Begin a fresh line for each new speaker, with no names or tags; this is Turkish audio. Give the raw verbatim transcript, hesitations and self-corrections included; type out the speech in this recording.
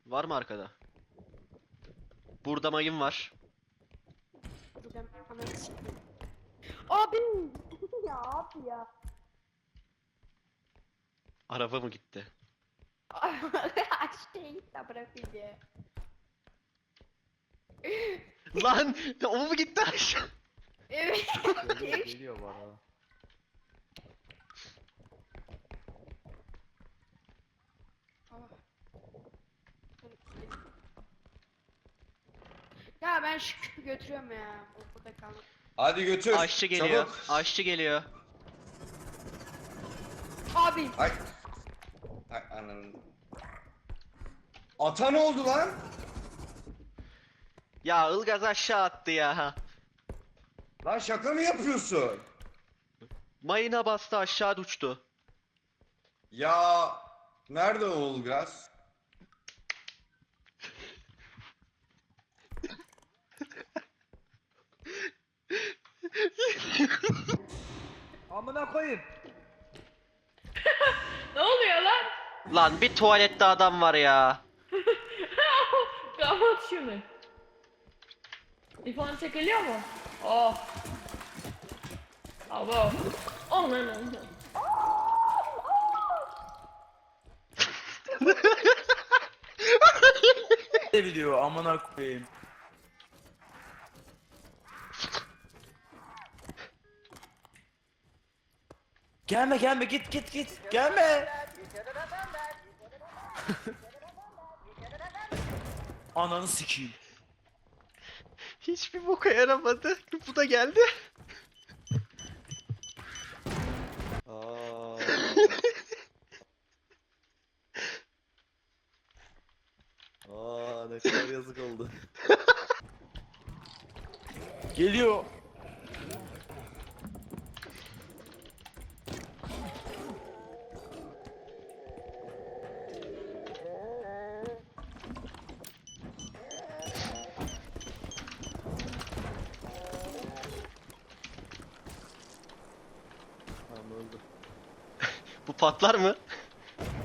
Var mı arkada? Burada mayın var.
Buradan hemen çıktım. Abi! Ya abi ya.
Araba mı gitti?
Aşağıya git de bırakayım ya.
Lan! O mu gitti aşağı?
Evet.
Geliyor, geliyor bana.
Ya ben şu küpü götürüyorum ya. Bu burada kaldı.
Hadi götür.
Aşçı geliyor.
Çabuk.
Aşçı geliyor.
Abi!
Ay. Ay ananın. Ata ne oldu lan?
Ya Ilgaz aşağı attı ya.
Lan şaka mı yapıyorsun?
Mayına bastı aşağı uçtu.
Ya nerede o Ulgaz?
Amına koyayım.
Ne oluyor lan?
Lan bir tuvalette adam var ya.
Kapat şunu. İfon çekiliyor mu? Oh. Abo. Oh lan lan.
Ne biliyor amına koyayım. Gelme gelme git git git gelme. Ananı sikeyim.
Hiçbir boka yaramadı. Bu da geldi.
Aa. Aa ne kadar yazık oldu. Geliyor. Tamam öldü.
Bu patlar mı?